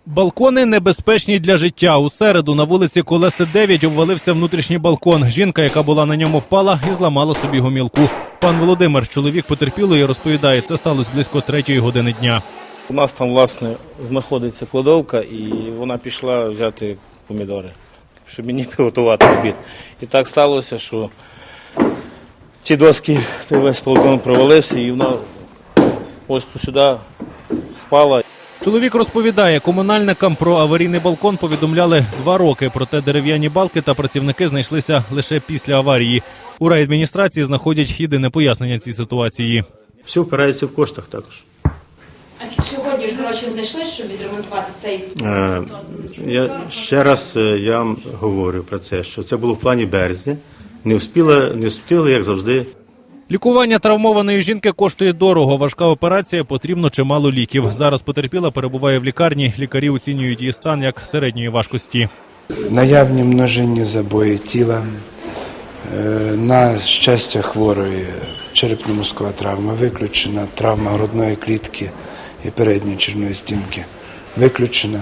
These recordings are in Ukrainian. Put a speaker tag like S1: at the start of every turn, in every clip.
S1: Балкони небезпечні для життя. У середу на вулиці Колеси 9 обвалився внутрішній балкон. Жінка, яка була на ньому, впала і зламала собі гомілку. Пан Володимир, чоловік потерпілої, розповідає, це сталося близько 3-ї години дня.
S2: У нас там, власне, знаходиться кладовка, і вона пішла взяти помідори, щоб мені приготувати обід. І так сталося, що ці доски, весь балкон провалився, і вона ось тут сюди впала.
S1: Чоловік розповідає, комунальникам про аварійний балкон повідомляли 2 роки, проте дерев'яні балки та працівники знайшлися лише після аварії. У райадміністрації знаходять єдине пояснення цій ситуації.
S3: Все впирається в коштах також.
S4: А сьогодні ж гроші знайшли, щоб відремонтувати цей?
S3: Ще раз я вам говорю про це, що це було в плані березня. Не встигли, як завжди.
S1: Лікування травмованої жінки коштує дорого. Важка операція, потрібно чимало ліків. Зараз потерпіла перебуває в лікарні. Лікарі оцінюють її стан як середньої важкості.
S5: Наявні множинні забої тіла, на щастя хворої черепно-мозкова травма виключена, травма грудної клітки і передньої черевної стінки виключена.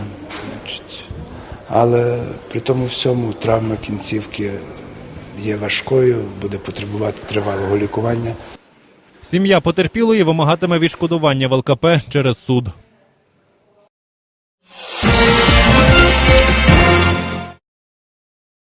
S5: Але при тому всьому травма кінцівки є важкою, буде потребувати тривалого лікування.
S1: Сім'я потерпілої вимагатиме відшкодування в ЛКП через суд.